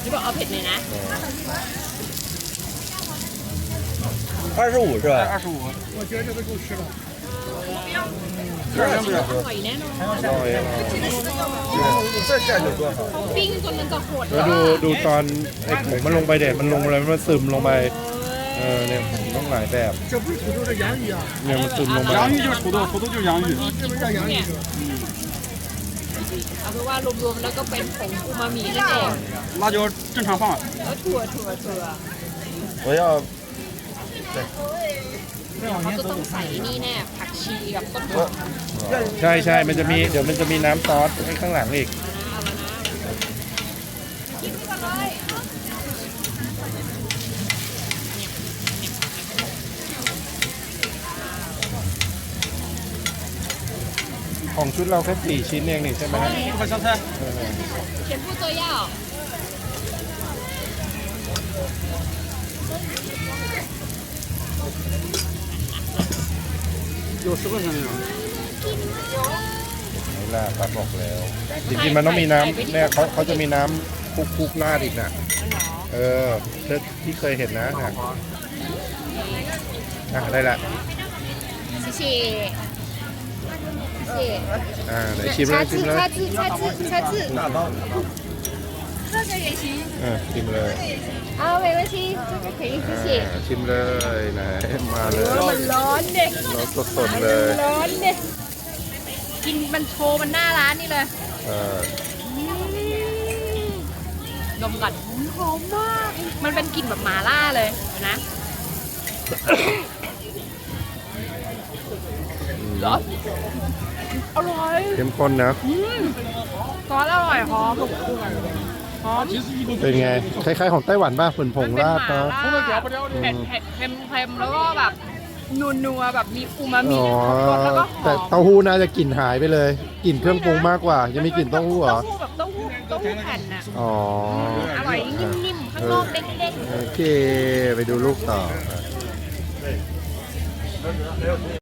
你บอกเอาเผ็ดเลยนะ 25是吧？ 25。我觉得这个够吃了。 这儿不是？ อร่อยแน่นอนอร่อย再下就多好。 เขาปิ้งจนมันจะโหดแล้วดูตอนไอ้ผงมันลงไปเด็ดมันลงอะไรมันซึมลงไปเนี่ยผมต้องหลายแบบ这不是土豆，这洋芋啊！ เนี่ยมันซึมลงไป洋芋就是土豆，土豆就是洋芋。 这不是叫洋芋是吧？ เอาเป็นว่ารวมๆแล้วก็เป็นผงอูมามินั่นเอง辣椒正常放。 แล้วถั่ว我要เขาจะต้องใส่นี่แน่ผักชีกับต้นหอมใช่มันจะมีเดี๋ยวมันจะมีน้ำซอสให้ข้างหลังอีกเอาแล้วนะกินไปก่อนเลยของชุดเราแค่4ชิ้นเองนี่ใช่ไหม这个香菜。 全部都要有10块钱那种。 นี่ล่ะป้าบอกแล้วจริงๆมันต้องมีน้ำเนี่ยเขาจะมีน้ำคุกราดอีกนะที่เคยเห็นนะได้ละ谢谢谢谢ไหนชิมเลยชิมเลย叉子大包。 这个也行ชิมเลย啊没关系这个可以谢谢ชิมเลยไหนมาเลยมันร้อนเด็กรสสดๆเลยร้อนเด็กกินมันโชว์มันหน้าร้านนี่เลยดมก่อนหอมมากมันเป็นกลิ่นแบบหม่าล่าเลยนะอร่อยเข้มข้นนะซอสอร่อยหอมหอมเป็นไงคล้ายๆของไต้หวันป่ะฝนผงราดเนาะเผ็ดเค็มๆแล้วก็แบบนัวๆแบบมีอูมามิอ๋อรสแล้วก็หแต่อมเต้าหู้น่าจะกลิ่นหายไปเลยกลิ่นเครื่องปรุงมากกว่า ยังมีกลิ่นเต้าหู้เหรอแบบเต้าหู้แผ่นน่ะอ๋ออร่อยนิ่มๆข้างนอกเด้งๆโอเค ไปดูลูกต่อ